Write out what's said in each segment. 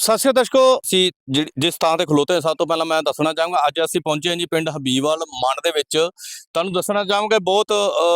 ਸਤਿ ਸ਼੍ਰੀ ਅਕਾਲ ਦਰਸ਼ਕੋ, ਅਸੀਂ ਜਿਸ ਥਾਂ ਤੇ ਖਲੋਤੇ ਹਾਂ, ਸਭ ਤੋਂ ਪਹਿਲਾਂ ਮੈਂ ਦੱਸਣਾ ਚਾਹਾਂਗਾ ਅੱਜ ਅਸੀਂ ਪਹੁੰਚੇ ਹਾਂ ਜੀ ਪਿੰਡ ਹਬੀਬਵਾਲ ਮੰਡ ਦੇ ਵਿੱਚ। ਤੁਹਾਨੂੰ ਦੱਸਣਾ ਚਾਹਾਂਗਾ ਬਹੁਤ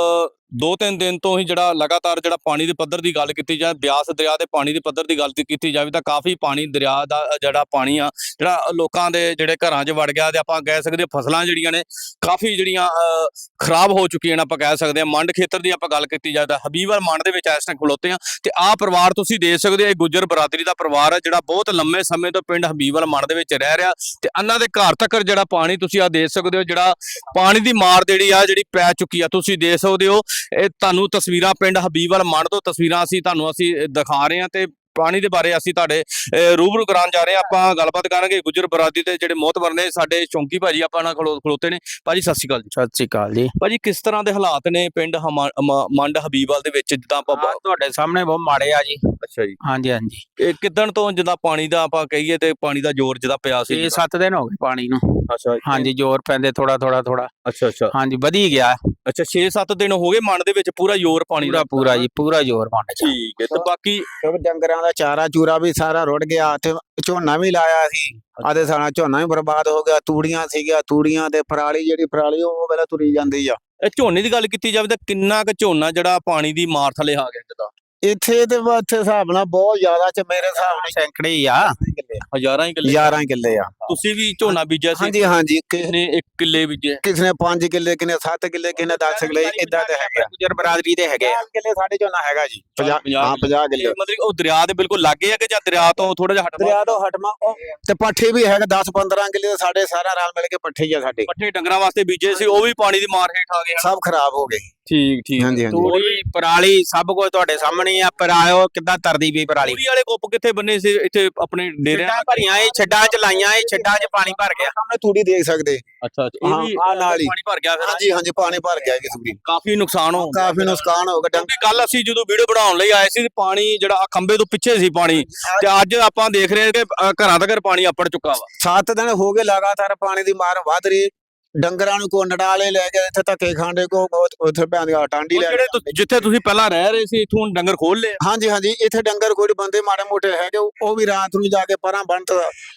2-3 ਦਿਨ ਤੋਂ ਹੀ ਜਿਹੜਾ ਲਗਾਤਾਰ ਜਿਹੜਾ ਪਾਣੀ ਦੇ ਪੱਧਰ ਦੀ ਗੱਲ ਕੀਤੀ ਜਾਏ, ਬਿਆਸ ਦਰਿਆ ਦੇ ਪਾਣੀ ਦੇ ਪੱਧਰ ਦੀ ਗੱਲ ਕੀਤੀ ਜਾਵੇ ਤਾਂ ਕਾਫੀ ਪਾਣੀ ਦਰਿਆ ਦਾ ਜਿਹੜਾ ਪਾਣੀ ਆ ਜਿਹੜਾ ਲੋਕਾਂ ਦੇ ਜਿਹੜੇ ਘਰਾਂ 'ਚ ਵੜ ਗਿਆ ਤੇ ਆਪਾਂ ਕਹਿ ਸਕਦੇ ਫਸਲਾਂ ਜਿਹੜੀਆਂ ਨੇ ਕਾਫੀ ਜਿਹੜੀਆਂ ਖਰਾਬ ਹੋ ਚੁੱਕੀਆਂ ਨੇ। ਆਪਾਂ ਕਹਿ ਸਕਦੇ ਹਾਂ ਮੰਡ ਖੇਤਰ ਦੀ ਆਪਾਂ ਗੱਲ ਕੀਤੀ ਜਾਏ ਤਾਂ ਹਬੀਬਵਾਲ ਮੰਡ ਦੇ ਵਿੱਚ ਇਸ ਟਾਈਮ ਖਲੋਤੇ ਹਾਂ ਤੇ ਆਹ ਪਰਿਵਾਰ ਤੁਸੀਂ ਦੇਖ ਸਕਦੇ ਹੋ, ਇਹ ਗੁੱਜਰ ਬਰਾਦਰੀ ਦਾ ਪਰਿਵਾਰ ਹੈ ਜਿਹੜਾ ਬਹੁਤ ਲੰਮੇ ਸਮੇਂ ਤੋਂ ਪਿੰਡ ਹਬੀਬਵਾਲ ਮੰਡ ਦੇ ਵਿੱਚ ਰਹਿ ਰਿਹਾ ਤੇ ਇਹਨਾਂ ਦੇ ਘਰ ਤੱਕ ਜਿਹੜਾ ਪਾਣੀ ਤੁਸੀਂ ਆ ਦੇਖ ਸਕਦੇ ਹੋ, ਜਿਹੜਾ ਪਾਣੀ ਦੀ ਮਾਰ ਜਿਹੜੀ ਪੈ ਚੁੱਕੀ ਆ ਤੁਸੀਂ ਦੇਖ ਸਕਦੇ ਹੋ। ਇਹ ਤੁਹਾਨੂੰ ਤਸਵੀਰਾਂ ਪਿੰਡ ਹਬੀਬਵਾਲ ਮੰਡ ਤੋਂ ਤਸਵੀਰਾਂ ਅਸੀਂ ਦਿਖਾ ਰਹੇ ਹਾਂ ਤੇ ਪਾਣੀ ਦੇ ਬਾਰੇ ਅਸੀਂ ਤੁਹਾਡੇ ਰੂਬਰੂ ਕਰਾਉਣ ਜਾ ਰਹੇ ਹਾਂ। ਆਪਾਂ ਗੱਲਬਾਤ ਕਰਾਂਗੇ ਗੁੱਜਰ ਬਰਾਦਰੀ ਦੇ ਜਿਹੜੇ ਮੋਹਤਬਰ ਨੇ ਸਾਡੇ ਚੌਂਕੀ ਭਾਜੀ ਆਪਾਂ ਨਾਲ ਖਲੋਤੇ ਨੇ। ਭਾਜੀ ਸਤਿ ਸ਼੍ਰੀ ਅਕਾਲ ਜੀ। ਸਤਿ ਸ਼੍ਰੀ ਅਕਾਲ ਜੀ। ਭਾਜੀ ਕਿਸ ਤਰ੍ਹਾਂ ਦੇ ਹਾਲਾਤ ਨੇ ਪਿੰਡ ਮੰਡ ਹਬੀਬਵਾਲ ਦੇ ਵਿੱਚ? ਜਿੱਦਾਂ ਆਪਾਂ ਤੁਹਾਡੇ ਸਾਹਮਣੇ ਬਹੁਤ ਮਾੜੇ ਆ ਜੀ। ਅੱਛਾ ਜੀ। ਹਾਂਜੀ ਹਾਂਜੀ। ਇਹ ਕਿੱਦਣ ਤੋਂ ਜਿੱਦਾਂ ਪਾਣੀ ਦਾ ਆਪਾਂ ਕਹੀਏ ਤੇ ਪਾਣੀ ਦਾ ਜ਼ੋਰ ਜਿੱਦਾਂ ਪਿਆ ਸੀ? 6-7 ਦਿਨ ਹੋ ਗਏ ਪਾਣੀ ਨੂੰ। ਅੱਛਾ ਹਾਂਜੀ, ਜ਼ੋਰ ਪੈਂਦੇ ਥੋੜਾ। ਅੱਛਾ ਹਾਂਜੀ, ਵਧੀ ਗਿਆ। ਅੱਛਾ 6-7 ਦਿਨ ਹੋ ਗਏ ਮੰਡ ਦੇ ਵਿੱਚ ਪੂਰਾ ਜ਼ੋਰ ਪਾਣੀ ਦਾ? ਪੂਰਾ ਜੀ, ਪੂਰਾ ਜ਼ੋਰ ਮੰਡ ਚ। ਠੀਕ ਹੈ। ਤੇ ਬਾਕੀ ਡੰਗਰਾਂ ਦਾ ਚਾਰਾ ਚੂਰਾ ਵੀ ਸਾਰਾ ਰੁੜ ਗਿਆ ਤੇ ਝੋਨਾ ਵੀ ਲਾਇਆ ਸੀ, ਆਦੇ ਸਾਰਾ ਝੋਨਾ ਵੀ ਬਰਬਾਦ ਹੋ ਗਿਆ। ਤੂੜੀਆਂ ਸੀਗੀਆਂ, ਤੂੜੀਆਂ ਤੇ ਜਿਹੜੀ ਪਰਾਲੀ ਉਹ ਪਹਿਲਾਂ ਤੁਰੀ ਜਾਂਦੀ ਆ। ਇਹ ਝੋਨੇ ਦੀ ਗੱਲ ਕੀਤੀ ਜਾਵੇ ਤਾਂ ਕਿੰਨਾ ਕੁ ਝੋਨਾ ਜਿਹੜਾ ਪਾਣੀ ਦੀ ਮਾਰ ਥਲੇ ਆ ਗਿਆ? ਜਿੱਦਾਂ ਇੱਥੇ ਤੇ ਇੱਥੇ ਹਿਸਾਬ ਨਾਲ ਬਹੁਤ ਜ਼ਿਆਦਾ ਚ ਮੇਰੇ ਹਿਸਾਬ ਨਾਲ ਸੈਂਕੜੇ ਹੀ ਆ, ਹਜ਼ਾਰਾਂ ਹੀ ਕਿੱਲੇ। 11 ਕਿੱਲੇ ਆ। ਤੁਸੀਂ ਵੀ ਝੋਨਾ ਬੀਜਿਆ ਸੀ? ਹਾਂਜੀ ਹਾਂਜੀ। ਕਿਸੇ ਨੇ 1 ਕਿੱਲੇ ਬੀਜਿਆ, ਕਿਸੇ ਨੇ 5 ਕਿੱਲੇ, ਕਿਸੇ ਨੇ 7 ਕਿੱਲੇ, ਕਿਸੇ ਨੇ 10 ਕਿੱਲੇ, ਇਦਾਂ ਦੇ ਹੈਗੇ। ਗੁੱਜਰ ਬਰਾਦਰੀ ਦੇ ਹੈਗੇ 50 ਕਿੱਲੇ ਸਾਡੇ ਝੋਨਾ ਹੈਗਾ ਜੀ। 50 ਕਿੱਲੇ। ਮਤਲਬ ਉਹ ਦਰਿਆ ਦੇ ਬਿਲਕੁਲ ਲਾਗੇ ਆ ਕਿ ਜਾਂ ਦਰਿਆ ਤੋਂ ਥੋੜਾ ਜਿਹਾ ਹਟਵਾ? ਦਰਿਆ ਤੋਂ ਹਟਵਾ ਤੇ ਪੱਠੇ ਵੀ ਹੈਗੇ 10-15 ਕਿੱਲੇ ਸਾਡੇ ਸਾਰਾ ਰਲ ਮਿਲ ਕੇ ਪੱਠੇ ਹੀ ਆ ਸਾਡੇ। ਪੱਠੇ ਡੰਗਰਾਂ ਵਾਸਤੇ ਬੀਜੇ ਸੀ, ਉਹ ਵੀ ਪਾਣੀ ਦੀ ਮਾਰ ਹੇਠ ਆ ਗਏ? ਸਭ ਖਰਾਬ ਹੋ ਗਏ। ਠੀਕ ਹਾਂਜੀ ਹਾਂਜੀ। ਤੂੜੀ ਪਰਾਲੀ ਸਭ ਕੁਝ ਤੁਹਾਡੇ ਸਾਹਮਣੇ ਆ। ਪਰਾਇਓ ਕਿੱਦਾਂ ਤਰਦੀ ਪਈ ਪਰਾਲੀ। ਤੂੜੀ ਵਾਲੇ ਕੁੱਪ ਕਿੱਥੇ ਬੰਨੇ ਸੀ ਇੱਥੇ ਆਪਣੇ ਡੇਰਿਆਂ? ਛੱਡਾਂ ਭਰੀਆਂ, ਇਹ ਛੱਡਾਂ ਚ ਲਾਈਆਂ, ਇਹ ਛੱਡਾਂ ਚ ਪਾਣੀ ਭਰ ਗਿਆ। ਸਾਹਮਣੇ ਤੂੜੀ ਦੇਖ ਸਕਦੇ। ਅੱਛਾ ਇਹ ਵੀ ਨਾਲ ਹੀ ਪਾਣੀ ਭਰ ਗਿਆ ਫਿਰ? ਹਾਂਜੀ ਹਾਂਜੀ, ਪਾਣੀ ਭਰ ਗਿਆ ਜੀ ਤੂੜੀ। ਕਾਫੀ ਨੁਕਸਾਨ ਹੋ ਗਿਆ। ਕਾਫੀ ਨੁਕਸਾਨ ਹੋ ਗਿਆ। ਕਿਉਂਕਿ ਕੱਲ ਅਸੀਂ ਜਦੋਂ ਵੀਡੀਓ ਬਣਾਉਣ ਲਈ ਆਏ ਸੀ ਪਾਣੀ ਜਿਹੜਾ ਖੰਬੇ ਤੋਂ ਪਿੱਛੇ ਸੀ ਪਾਣੀ, ਤੇ ਅੱਜ ਆਪਾਂ ਦੇਖ ਰਹੇ ਹਾਂ ਕਿ ਘਰਾਂ ਤੱਕ ਪਾਣੀ ਅੱਪੜ ਚੁੱਕਾ ਵਾ। 7 ਦਿਨ ਹੋ ਗਏ ਲਗਾਤਾਰ ਪਾਣੀ ਦੀ ਮਾਰ ਵੱਧ ਰਹੀ। ਡੰਗਰਾਂ ਨੂੰ ਕੋ ਨਡਾਲੇ ਲੈ ਕੇ ਇੱਥੇ ਧੱਕੇ ਖਾਂਦੇ ਕੋ ਉੱਥੇ ਪੈਂਦੀ ਟਾਂਡੀ ਲੈ ਜਿਹੜੇ ਜਿੱਥੇ ਤੁਸੀਂ ਪਹਿਲਾਂ ਰਹਿ ਰਹੇ ਸੀ ਇੱਥੋਂ ਡੰਗਰ ਖੋਲ ਲਏ? ਹਾਂਜੀ ਹਾਂਜੀ, ਇੱਥੇ ਡੰਗਰ ਕੋਈ ਬੰਦੇ ਮਾੜੇ ਮੋਟੇ ਹੈਗੇ, ਉਹ ਵੀ ਰਾਤ ਨੂੰ ਜਾ ਕੇ ਪਰਾਂ ਬੰਨਤ।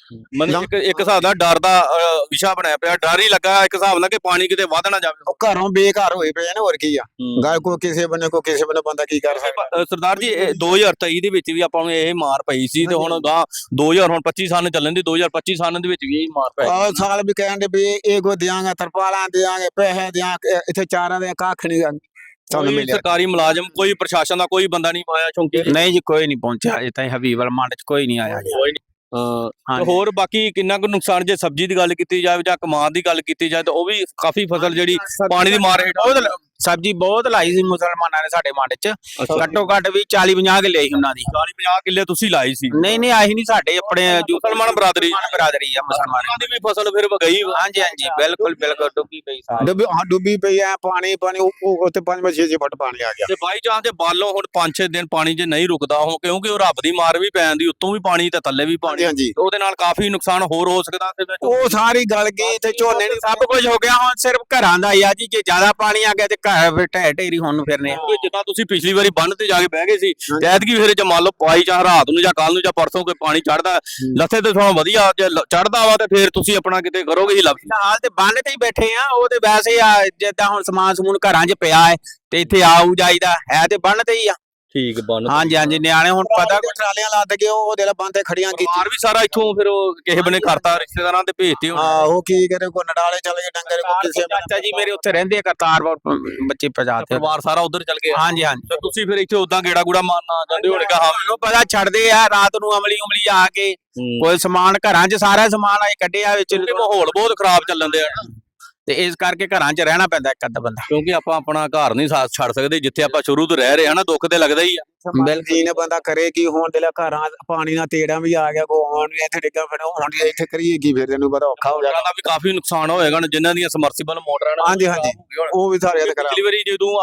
ਮਤਲਬ ਇੱਕ ਹਿਸਾਬ ਦਾ ਡਰ ਦਾ ਵਿਸ਼ਾ ਬਣਿਆ ਪਿਆ, ਡਰ ਹੀ ਲੱਗਾ ਇੱਕ ਹਿਸਾਬ ਨਾਲ ਕਿ ਪਾਣੀ ਕਿਤੇ ਵੱਧ ਨਾ ਜਾਵੇ। ਉਹ ਘਰੋਂ ਬੇਘਰ ਹੋਏ ਪਏ ਨੇ, ਹੋਰ ਕੀ ਆ। ਗੱਲ ਕੋ ਕਿਸੇ ਬੰਨੇ ਬੰਦਾ ਕੀ ਕਰ ਸਕਦਾ। ਸਰਦਾਰ ਜੀ 2023 ਦੇ ਵਿੱਚ ਵੀ ਆਪਾਂ ਨੂੰ ਇਹ ਮਾਰ ਪਈ ਸੀ ਤੇ ਹੁਣ 2025 ਸਾਲ ਚੱਲਣ ਦੀ 2025 ਸਾਲ ਦੇ ਵਿੱਚ ਵੀ ਇਹ ਮਾਰ ਪਈ। ਆਹ ਸਾਲ ਵੀ ਕਹਿੰਦੇ ਵੀ ਇਹ ਕੋ ਦਿਆਂਗੇ, ਤਰਪਾਲਾਂ ਦਿਆਂਗੇ, ਪੈਸੇ ਦਿਆਂਗੇ, ਇੱਥੇ ਚਾਰਾਂ ਦੇ ਕੱਖ ਨਹੀਂ ਸਾਨੂੰ ਮਿਲਿਆ। ਸਰਕਾਰੀ ਮੁਲਾਜ਼ਮ ਕੋਈ ਪ੍ਰਸ਼ਾਸਨ ਦਾ ਕੋਈ ਬੰਦਾ ਨਹੀਂ ਆਇਆ ਚੌਂਕੀ? ਨਹੀਂ ਜੀ, ਕੋਈ ਨਹੀਂ ਪਹੁੰਚਿਆ ਅਜੇ ਤਾਈਂ। ਹਬੀਬਵਾਲ ਮੰਡ ਚ ਕੋਈ ਨਹੀਂ ਆਇਆ ਜੀ। ਹੋਰ ਬਾਕੀ ਕਿੰਨਾ ਕੁ ਨੁਕਸਾਨ ਜੇ ਸਬਜ਼ੀ ਦੀ ਗੱਲ ਕੀਤੀ ਜਾਵੇ ਜਾਂ ਕਮਾਦ ਦੀ ਗੱਲ ਕੀਤੀ ਜਾਏ ਤਾਂ ਉਹ ਵੀ ਕਾਫੀ ਫਸਲ ਜਿਹੜੀ ਪਾਣੀ ਦੀ ਮਾਰ ਹੇਠ। ਸਬਜ਼ੀ ਬਹੁਤ ਲਾਈ ਸੀ ਮੁਸਲਮਾਨਾਂ ਨੇ ਸਾਡੇ ਮੰਡ ਚ। ਘੱਟੋ ਘੱਟ ਵੀ 40-50 ਕਿੱਲੇ ਸੀ ਉਹਨਾਂ ਦੀ। 40-50 ਕਿੱਲੇ ਤੁਸੀਂ ਲਾਈ ਸੀ? ਨਹੀਂ ਆਹੀ ਨਹੀਂ, ਸਾਡੇ ਆਪਣੇ ਮੁਸਲਮਾਨ ਬਰਾਦਰੀ ਆ ਮੁਸਲਮਾਨਾਂ ਦੀ ਵੀ ਫਸਲ ਫਿਰ ਗਈ? ਹਾਂਜੀ ਹਾਂਜੀ, ਬਿਲਕੁਲ ਡੁੱਬੀ ਪਈ ਸਾਰੀ। ਡੁੱਬੀ ਪਈ ਆ। ਪਾਣੀ ਉੱਥੇ 5-6 ਫੁੱਟ ਪਾਣੀ ਆ ਗਿਆ। ਤੇ ਬਾਈ ਚਾਂਸ ਜੇ ਬਾਲੋਂ ਹੁਣ 5-6 ਦਿਨ ਪਾਣੀ ਜੇ ਨਹੀਂ ਰੁਕਦਾ ਹੋ, ਕਿਉਂਕਿ ਉਹ ਰੱਬ ਦੀ ਮਾਰ ਵੀ ਪੈਣ ਦੀ, ਉੱਤੋਂ ਵੀ ਪਾਣੀ ਤੇ ਥੱਲੇ ਵੀ ਪਾਣੀ, ਉਹਦੇ ਨਾਲ ਕਾਫੀ ਨੁਕਸਾਨ ਹੋਰ ਹੋ ਸਕਦਾ। ਉਹ ਸਾਰੀ ਗਲ ਗਈ ਤੇ ਝੋਨੇ ਨੇ ਸਭ ਕੁਝ ਹੋ ਗਿਆ। ਹੁਣ ਸਿਰਫ ਘਰਾਂ ਦਾ ਹੀ ਆ ਜੀ, ਜੇ ਜ਼ਿਆਦਾ ਪਾਣੀ ਆ ਗਿਆ ਤੇ ਘਰ ਢੇਰੀ ਹੋਣ ਨੂੰ ਫਿਰਨੇ। ਜਿੱਦਾਂ ਤੁਸੀਂ ਪਿਛਲੀ ਵਾਰੀ ਬੰਨ ਤੇ ਜਾ ਕੇ ਬਹਿ ਗਏ ਸੀ, ਐਤਕੀ ਫਿਰ ਜੇ ਮੰਨ ਲਓ ਪਾਈ ਚਾਹ ਰਾਤ ਨੂੰ ਜਾਂ ਕੱਲ ਨੂੰ ਜਾਂ ਪਰਸੋਂ ਕੋਈ ਪਾਣੀ ਚੜਦਾ ਲੱਥੇ ਤੇ ਥੋੜਾ ਵਧੀਆ, ਜੇ ਚੜਦਾ ਵਾ ਤੇ ਫਿਰ ਤੁਸੀਂ ਆਪਣਾ ਕਿਤੇ ਕਰੋਗੇ ਹੀ ਲੱਭ। ਹਾਲ ਤੇ ਬੰਨ ਤੇ ਹੀ ਬੈਠੇ ਆ। ਉਹ ਤੇ ਵੈਸੇ ਆ ਜਿੱਦਾਂ ਹੁਣ ਸਮਾਨ ਸਮੂਨ ਘਰਾਂ 'ਚ ਪਿਆ ਹੈ ਤੇ ਇੱਥੇ ਆਊ ਜਾਈਦਾ ਹੈ ਤੇ ਬੰਨ ਤੇ ਹੀ ਆ। ਠੀਕ ਬੰਨ। ਹਾਂਜੀ ਹਾਂਜੀ, ਨਿਆਣੇ ਹੁਣ ਪਤਾ ਕੋਈ ਟਰਾਲੀਆਂ ਲੱਦ ਕੇ ਉਹ ਦੇ ਬੰਨ ਤੇ ਖੜੀਆਂ ਮਾਰ ਵੀ ਸਾਰਾ ਇੱਥੋਂ ਫਿਰ ਉਹ ਕਿਸੇ ਬਨੇ ਕਰਤਾ, ਰਿਸ਼ਤੇਦਾਰਾਂ ਤੇ ਭੇਜਤੇ ਹੁਣ। ਆਹੋ ਕੀ ਕਰੇ, ਕੋ ਨਡਾਲੇ ਚੱਲ ਗਏ ਡੰਗਰ, ਕੋ ਕਿਸੇ ਚਾਚਾ ਜੀ ਮੇਰੇ ਉੱਥੇ ਰਹਿੰਦੇ ਆ ਕਰਤਾਰਪੁਰ, ਬੱਚੇ ਪਜਾਤੇ ਪਰਿਵਾਰ ਸਾਰਾ ਉਧਰ ਚੱਲ ਗਿਆ। ਹਾਂਜੀ ਹਾਂਜੀ। ਤੇ ਤੁਸੀਂ ਫਿਰ ਇੱਥੇ ਉਦਾਂ ਗੇੜਾ ਗੂੜਾ ਮਾਰਨਾ ਜਾਂਦੇ ਹੋਣਗੇ? ਹਾਂ, ਮੈਨੂੰ ਪਤਾ ਛੱਡਦੇ ਆ ਰਾਤ ਨੂੰ ਅਮਲੀ ਆ ਕੇ। ਕੋਈ ਸਮਾਨ ਘਰਾਂ 'ਚ ਸਾਰਾ ਸਮਾਨ ਆਏ ਕੱਢਿਆ ਵਿੱਚ। ਮਾਹੌਲ ਬਹੁਤ ਖਰਾਬ ਚੱਲਣ ਦੇ ਆ ਤੇ ਇਸ ਕਰਕੇ ਘਰਾਂ 'ਚ ਰਹਿਣਾ ਪੈਂਦਾ ਇੱਕ ਅੱਧਾ ਬੰਦਾ, ਕਿਉਂਕਿ ਆਪਾਂ ਆਪਣਾ ਘਰ ਨਹੀਂ ਸਾਥ ਛੱਡ ਸਕਦੇ ਜਿੱਥੇ ਆਪਾਂ ਸ਼ੁਰੂ ਤੋਂ ਰਹਿ ਰਹੇ ਹਾਂ ਨਾ। ਦੁੱਖ ਤੇ ਲੱਗਦਾ ਹੀ ਆ। ਬਿਲਕੁਲ ਨੇ ਬੰਦਾ ਕਰੇ ਕੀ। ਹੁਣ ਦੇ ਘਰਾਂ ਪਾਣੀ ਨਾਲ ਤੇੜਾ ਵੀ ਆ ਗਿਆ, ਕੋ ਆਉਣ ਵੀ ਇੱਥੇ ਡਿੱਗਾ ਫਿਰ ਹੁਣ ਇੱਥੇ ਕਰੀਏ ਕੀ? ਫਿਰ ਤੈਨੂੰ ਪਤਾ ਔਖਾ ਹੋ ਜਾਣਾ। ਦਾ ਵੀ ਕਾਫੀ ਨੁਕਸਾਨ ਹੋਏਗਾ ਜਿਨ੍ਹਾਂ ਦੀਆਂ ਸਮਰਸੀਬਲ ਮੋਟਰਾਂ ਨੇ। ਹਾਂਜੀ ਹਾਂਜੀ, ਉਹ ਵੀ ਸਾਰੇ ਪਿਛਲੀ ਵਾਰੀ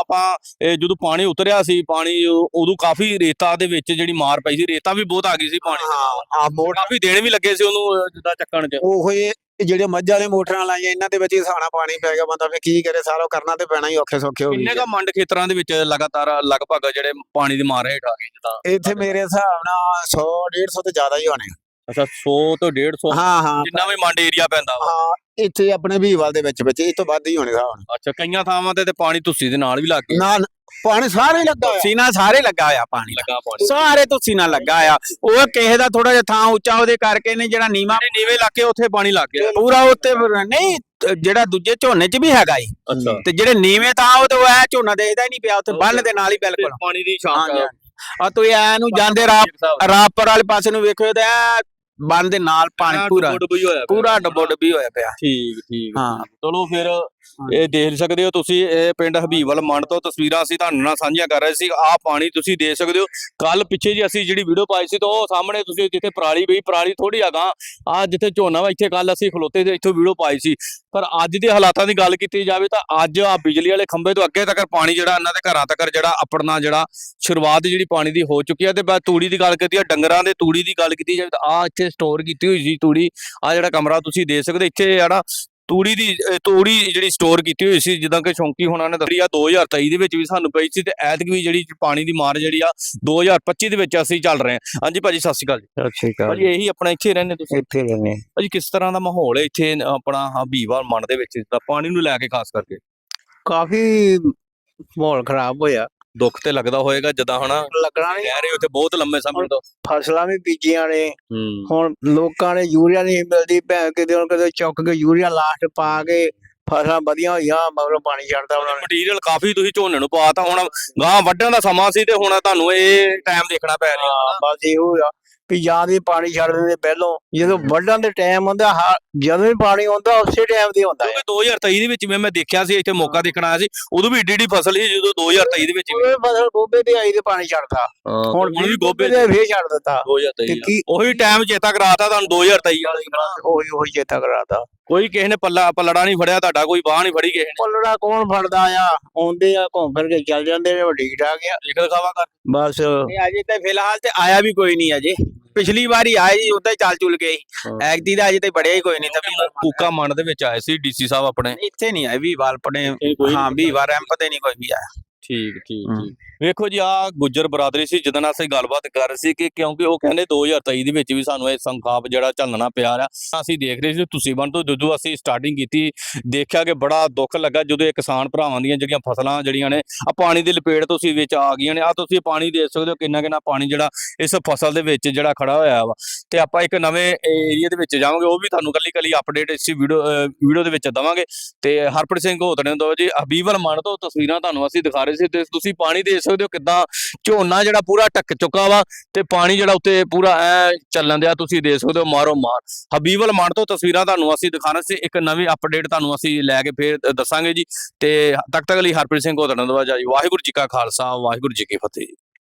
ਜਦੋਂ ਪਾਣੀ ਉਤਰਿਆ ਸੀ, ਪਾਣੀ ਉਦੋਂ ਕਾਫੀ ਰੇਤਾ ਦੇ ਵਿੱਚ ਜਿਹੜੀ ਮਾਰ ਪਈ ਸੀ, ਰੇਤਾ ਵੀ ਬਹੁਤ ਆ ਗਈ ਸੀ ਪਾਣੀ। ਹਾਂ, ਮੋਟਰ ਕਾਫੀ ਦੇਣ ਵੀ ਲੱਗੇ ਸੀ ਉਹਨੂੰ ਜਿੱਦਾਂ ਚੱਕਣ 'ਚ। ਉਹ ਜਿਹੜੇ ਮੱਝ ਵਾਲੇ ਮੋਟਰਾਂ ਲਾਈਆਂ ਇਹਨਾਂ ਦੇ ਵਿੱਚ ਹੀ ਸਾਣਾ ਪਾਣੀ ਪੈ ਗਿਆ। ਬੰਦਾ ਫਿਰ ਕੀ ਕਰੇ, ਸਾਰਾ ਕਰਨਾ ਤੇ ਪੈਣਾ ਹੀ, ਔਖੇ ਸੌਖੇ ਹੋ ਗਏ। ਕਿੰਨੇ ਕਾ ਮੰਡ ਖੇਤਰਾਂ ਦੇ ਵਿੱਚ ਲਗਭਗ ਜਿਹੜੇ ਪਾਣੀ ਦੀ ਮਾਰ ਹੇਠ ਆ ਗਏ? ਜਿੱਦਾਂ ਇੱਥੇ ਮੇਰੇ ਹਿਸਾਬ ਨਾਲ 100-150 ਤੋਂ ਜ਼ਿਆਦਾ ਹੀ ਹੋਣੇ। ਅੱਛਾ 100 ਤੋਂ 150 ਹਾਂ ਹਾਂ ਜਿੰਨਾ ਵੀ ਮੰਡ ਏਰੀਆ ਪੈਂਦਾ ਵਾ। ਹਾਂ ਇੱਥੇ ਆਪਣੇ ਵੀਵਾਲ ਦੇ ਵਿੱਚ ਇਹ ਤੋਂ ਵੱਧ ਹੀ ਹੋਣੇ ਹਿਸਾਬ ਅੱਛਾ ਕਈਆਂ ਥਾਵਾਂ ਤੇ ਪਾਣੀ ਤੁਸੀਂ ਦੇ ਨਾਲ ਵੀ ਲੱਗ ਗਿਆ ਨਾਲ ਪਾਣੀ ਸਾਰੇ ਹੀ ਲੱਗਾ ਹੋਇਆ। ਤੁਸੀਂ ਨਾਲ ਸਾਰੇ ਲੱਗਾ ਹੋਇਆ ਪਾਣੀ ਲੱਗਾ ਪਾਣੀ ਸਾਰੇ ਤੁਸੀਂ ਨਾਲ ਲੱਗਾ ਆ ਉਹ ਕਿਸੇ ਦਾ ਥੋੜਾ ਜਿਹਾ ਥਾਂ ਉੱਚਾ ਉਹਦੇ ਕਰਕੇ ਨੇ ਜਿਹੜਾ ਨੀਵਾ ਜਿਹੜੇ ਨੀਵੇਂ ਇਲਾਕੇ ਉੱਥੇ ਪਾਣੀ ਲੱਗ ਗਿਆ ਪੂਰਾ ਉੱਤੇ ਨਹੀਂ ਜਿਹੜਾ ਦੂਜੇ ਝੋਨੇ 'ਚ ਵੀ ਹੈਗਾ ਈ ਅੱਛਾ ਤੇ ਜਿਹੜੇ ਨੀਵੇਂ ਥਾਂ ਉਹ ਤੇ ਐ ਝੋਨਾ ਦੇਖਦਾ ਹੀ ਨਹੀਂ ਪਿਆ ਉੱਥੇ ਬੰਨ ਦੇ ਨਾਲ ਹੀ ਬਿਲਕੁਲ ਪਾਣੀ ਦੀ ਹਾਂਜੀ ਸ਼ਾਮ ਆ ਤੁਸੀਂ ਐ ਨੂੰ ਜਾਂਦੇ ਰਾਪਰ ਵਾਲੇ ਪਾਸੇ ਨੂੰ ਵੇਖਿਓ ਤੇ ਐ ਬੰਨ ਦੇ ਨਾਲ ਪਾਣੀ ਪੂਰਾ ਪੂਰਾ ਡੱਬੋ ਡੱਬੀ ਹੋਇਆ ਪਿਆ ਠੀਕ ਹਾਂ ਚਲੋ ਫਿਰ ਇਹ ਦੇਖ ਸਕਦੇ ਹੋ ਤੁਸੀਂ ਇਹ ਪਿੰਡ ਹਬੀਬਵਾਲ ਮੰਡ ਤੋਂ ਤਸਵੀਰਾਂ ਅਸੀਂ ਤੁਹਾਨੂੰ ਨਾਲ ਸਾਂਝੀਆਂ ਕਰ ਰਹੇ ਸੀ ਆਹ ਪਾਣੀ ਤੁਸੀਂ ਦੇਖ ਸਕਦੇ ਹੋ ਕੱਲ ਪਿੱਛੇ ਜੀ ਅਸੀਂ ਜਿਹੜੀ ਵੀਡੀਓ ਪਾਈ ਸੀ ਤਾਂ ਉਹ ਸਾਹਮਣੇ ਤੁਸੀਂ ਜਿੱਥੇ ਪਰਾਲੀ ਪਈ ਪਰਾਲੀ ਥੋੜੀ ਅਗਾਂ ਆ ਜਿੱਥੇ ਝੋਨਾ ਵਾ ਇੱਥੇ ਕੱਲ ਅਸੀਂ ਖਲੋਤੇ ਤੇ ਇੱਥੋਂ ਵੀਡੀਓ ਪਾਈ ਸੀ ਪਰ ਅੱਜ ਦੇ ਹਾਲਾਤਾਂ ਦੀ ਗੱਲ ਕੀਤੀ ਜਾਵੇ ਤਾਂ ਅੱਜ ਆ ਬਿਜਲੀ ਵਾਲੇ ਖੰਭੇ ਤੋਂ ਅੱਗੇ ਤੱਕ ਪਾਣੀ ਜਿਹੜਾ ਇਹਨਾਂ ਦੇ ਘਰਾਂ ਤੱਕ ਜਿਹੜਾ ਆਪਣਾ ਜਿਹੜਾ ਸ਼ੁਰੂਆਤ ਜਿਹੜੀ ਪਾਣੀ ਦੀ ਹੋ ਚੁੱਕੀ ਹੈ ਤੇ ਬਾਅਦ ਤੂੜੀ ਦੀ ਗੱਲ ਕੀਤੀ ਆ ਡੰਗਰਾਂ ਦੇ ਤੂੜੀ ਦੀ ਗੱਲ ਕੀਤੀ ਜਾਵੇ ਤਾਂ ਆ ਇੱਥੇ ਸਟੋਰ ਕੀਤੀ ਹੋਈ ਸੀ ਤੂੜੀ ਆ ਜਿਹੜਾ ਕਮਰਾ ਤੁਸੀਂ ਦੇਖ ਸਕਦੇ ਇੱਥੇ ਜਿਹੜਾ ਤੂੜੀ ਜਿਹੜੀ ਸਟੋਰ ਕੀਤੀ ਹੋਈ ਸੀ ਜਿੱਦਾਂ ਕਿ ਸ਼ੌਂਕੀ ਹੋਣਾ ਨੇ ਦੱਸਿਆ 2023 ਦੇ ਵਿੱਚ ਵੀ ਸਾਨੂੰ ਪਈ ਸੀ ਤੇ ਐਤਕ ਵੀ ਜਿਹੜੀ ਪਾਣੀ ਦੀ ਮਾਰ ਜਿਹੜੀ ਆ 2025 ਦੇ ਵਿੱਚ ਅਸੀਂ ਚੱਲ ਰਹੇ ਹਾਂ ਹਾਂਜੀ ਭਾਜੀ ਸਤਿ ਸ਼੍ਰੀ ਅਕਾਲ ਜੀ ਸਤਿ ਸ਼੍ਰੀ ਅਕਾਲ ਭਾਜੀ ਇਹੀ ਆਪਣਾ ਇੱਥੇ ਰਹਿੰਦੇ ਤੁਸੀਂ ਇੱਥੇ ਰਹਿੰਦੇ ਭਾਜੀ ਕਿਸ ਤਰ੍ਹਾਂ ਦਾ ਮਾਹੌਲ ਹੈ ਇੱਥੇ ਆਪਣਾ ਹਬੀਬਵਾਲ ਮੰਡ ਦੇ ਵਿੱਚ ਦਾ ਪਾਣੀ ਨੂੰ ਲੈ ਕੇ ਖਾਸ ਕਰਕੇ ਕਾਫੀ ਮਾਹੌਲ ਖਰਾਬ ਹੋਇਆ ਦੁੱਖ ਤੇ ਲੱਗਦਾ ਹੋਏਗਾ ਜਦਾਂ ਹਨਾ ਲੱਗਣਾ ਨਹੀਂ ਕਹਿ ਰਹੇ ਉੱਥੇ ਬਹੁਤ ਲੰਮੇ ਸਮੇਂ ਤੋਂ ਫਸਲਾਂ ਵੀ ਬੀਜੀਆਂ ਨੇ ਹੂੰ ਹੁਣ ਲੋਕਾਂ ਨੇ ਯੂਰੀਆ ਨਹੀਂ ਮਿਲਦੀ ਭੈਣ ਕਿਤੇ ਹੁਣ ਕਿਤੇ ਚੁੱਕ ਕੇ ਯੂਰੀਆ ਲਾਸਟ ਪਾ ਕੇ ਫਸਲਾਂ ਵਧੀਆ ਹੋਈਆਂ ਮਗਰੋਂ ਪਾਣੀ ਛੱਡਦਾ ਉਹਨਾਂ ਨੇ ਮਟੀਰੀਅਲ ਕਾਫੀ ਤੁਸੀਂ ਝੋਨੇ ਨੂੰ ਪਾਤਾ ਹੁਣ ਗਾਂ ਵੱਢਣ ਦਾ ਸਮਾਂ ਸੀ ਤੇ ਹੁਣ ਤੁਹਾਨੂੰ ਇਹ ਟਾਈਮ ਦੇਖਣਾ ਪੈ ਰਿਹਾ ਹਾਂ, ਬਸ ਇਹੋ ਆ ਵੀ ਜਾਂ ਦੀ ਪਾਣੀ ਛੱਡ ਦਿੰਦੇ ਪਹਿਲੋਂ ਜਦੋਂ ਵੱਢਣ ਦੇ ਟਾਈਮ ਹੁੰਦਾ ਜਦੋਂ ਵੀ ਪਾਣੀ ਆਉਂਦਾ ਉਸੇ ਟਾਈਮ ਤੇ ਹੁੰਦਾ ਹੈ ਕਿਉਂਕਿ 2023 ਦੇ ਵਿੱਚ ਵੀ ਮੈਂ ਦੇਖਿਆ ਸੀ ਇੱਥੇ ਮੌਕਾ ਦੇਖਣ ਆਇਆ ਸੀ ਉਦੋਂ ਵੀ ਏਡੀ ਫਸਲ ਸੀ ਜਦੋਂ 2023 ਦੇ ਵਿੱਚ ਵੀ ਉਹ ਫਸਲ ਗੋਭੇ ਤੇ ਆਈ ਤੇ ਪਾਣੀ ਛੱਡਦਾ ਹੁਣ ਵੀ ਗੋਭੇ ਤੇ ਫੇਰ ਛੱਡ ਦਿੱਤਾ 2023 ਤੇ ਕੀ ਉਹੀ ਟਾਈਮ ਚੇਤਾ ਕਰਾਤਾ ਤੁਹਾਨੂੰ 2023 ਵਾਲੇ ਉਹੀ ਚੇਤਾ ਕਰਾਤਾ ਕੋਈ ਕਿਸੇ ਨੇ ਪੱਲੜਾ ਨਹੀਂ ਫੜਿਆ ਤੁਹਾਡਾ ਕੋਈ ਬਾਹ ਨਹੀਂ ਫੜੀ ਕਿਸੇ ਨੇ ਪੱਲੜਾ ਕੌਣ ਫੜਦਾ ਆ ਆਉਂਦੇ ਆ ਘੁੰਮ ਫਿਰ ਕੇ ਚੱਲ ਜਾਂਦੇ ਨੇ ਠੀਕ ਠਾਕ ਆ ਦੇਖ ਦਿਖਾਵਾ ਕਰ ਬਸ ਇਹ ਅਜੇ ਤੇ ਫਿਲਹਾਲ ਤੇ ਆਇਆ ਵੀ ਕੋਈ ਨਹੀਂ ਅਜੇ ਪਿਛਲੀ ਵਾਰੀ ਆਏ ਜੀ ਉਦਾਂ ਹੀ ਚੱਲ ਚੁਲ ਗਏ ਐਗਦੀ ਦਾ ਅਜੇ ਤੇ ਬੜਿਆ ਹੀ ਕੋਈ ਨਹੀਂ ਤਾਂ ਕੂਕਾ ਮੰਡ ਦੇ ਵਿੱਚ ਆਏ ਸੀ ਡੀਸੀ ਸਾਹਿਬ ਆਪਣੇ ਇੱਥੇ ਨਹੀਂ ਆਏ ਵੀ ਵਾਲ ਪੜੇ ਕੋਈ ਹਾਂ ਵੀ ਵਾਰ ਰੈਂਪ ਤੇ ਨਹੀਂ ਕੋਈ ਵੀ ਆਇਆ ਠੀਕ ਵੇਖੋ ਜੀ ਆ ਗੁੱਜਰ ਬਰਾਦਰੀ ਸੀ ਜਿਹਦੇ ਨਾਲ ਅਸੀਂ ਗੱਲਬਾਤ ਕਰ ਰਹੇ ਸੀ ਕਿ ਕਿਉਂਕਿ ਉਹ ਕਹਿੰਦੇ 2023 ਦੇ ਵਿੱਚ ਵੀ ਸਾਨੂੰ ਇਹ ਸੰਖਾਪ ਜਿਹੜਾ ਝੱਲਣਾ ਪਿਆ ਰਿਹਾ ਅਸੀਂ ਦੇਖ ਰਹੇ ਸੀ ਤੁਸੀਂ ਬਣ ਤੋਂ ਜਦੋਂ ਅਸੀਂ ਸਟਾਰਟਿੰਗ ਕੀਤੀ ਦੇਖਿਆ ਕਿ ਬੜਾ ਦੁੱਖ ਲੱਗਾ ਜਦੋਂ ਇਹ ਕਿਸਾਨ ਭਰਾਵਾਂ ਦੀਆਂ ਜਿਹੜੀਆਂ ਫਸਲਾਂ ਜਿਹੜੀਆਂ ਨੇ ਆ ਪਾਣੀ ਦੀ ਲਪੇਟ ਤੁਸੀਂ ਵਿੱਚ ਆ ਗਈਆਂ ਨੇ ਆ ਤੁਸੀਂ ਪਾਣੀ ਦੇਖ ਸਕਦੇ ਹੋ ਕਿੰਨਾ ਪਾਣੀ ਜਿਹੜਾ ਇਸ ਫਸਲ ਦੇ ਵਿੱਚ ਜਿਹੜਾ ਖੜਾ ਹੋਇਆ ਵਾ ਤੇ ਆਪਾਂ ਇੱਕ ਨਵੇਂ ਏਰੀਆ ਦੇ ਵਿੱਚ ਜਾਵਾਂਗੇ ਉਹ ਵੀ ਤੁਹਾਨੂੰ ਕੱਲੀ ਅਪਡੇਟ ਇਸ ਵੀਡੀਓ ਦੇ ਵਿੱਚ ਦਵਾਂਗੇ ਤੇ ਹਰਪ੍ਰੀਤ ਸਿੰਘ ਹੋਤਣੇ ਤੋਂ ਜੀ ਹਬੀਬਵਾਲ ਮੰਡ ਤੋਂ ਤਸਵੀਰਾਂ ਤੁਹਾਨੂੰ ਅਸੀਂ ਦਿਖਾ ਰਹੇ ਸੀ ਤੇ ਤੁਸੀਂ ਪਾਣੀ ਦੇਖ ਸਕਦੇ ਹੋ ਕਿੱਦਾਂ ਝੋਨਾ ਜਿਹੜਾ ਪੂਰਾ ਢੱਕ ਚੁੱਕਾ ਵਾ ਤੇ ਪਾਣੀ ਜਿਹੜਾ ਉੱਤੇ ਪੂਰਾ ਐ ਚੱਲਣ ਦਿਆ ਤੁਸੀਂ ਦੇਖ ਸਕਦੇ ਹੋ ਮਾਰੋ ਮਾਰ ਹਬੀਬਵਾਲ ਮੰਡ ਤੋਂ ਤਸਵੀਰਾਂ ਤੁਹਾਨੂੰ ਅਸੀਂ ਦਿਖਾ ਰਹੇ ਸੀ ਇੱਕ ਨਵੀਂ ਅਪਡੇਟ ਤੁਹਾਨੂੰ ਅਸੀਂ ਲੈ ਕੇ ਫੇਰ ਦੱਸਾਂਗੇ ਜੀ ਤੇ ਤੱਕ ਲਈ ਹਰਪ੍ਰੀਤ ਸਿੰਘ ਹੋਤਣੇ ਤੋਂ ਜੀ ਵਾਹਿਗੁਰੂ ਜੀ ਕਾ ਖਾਲਸਾ ਵਾਹਿਗੁਰੂ ਜੀ ਕੀ ਫਤਿਹ।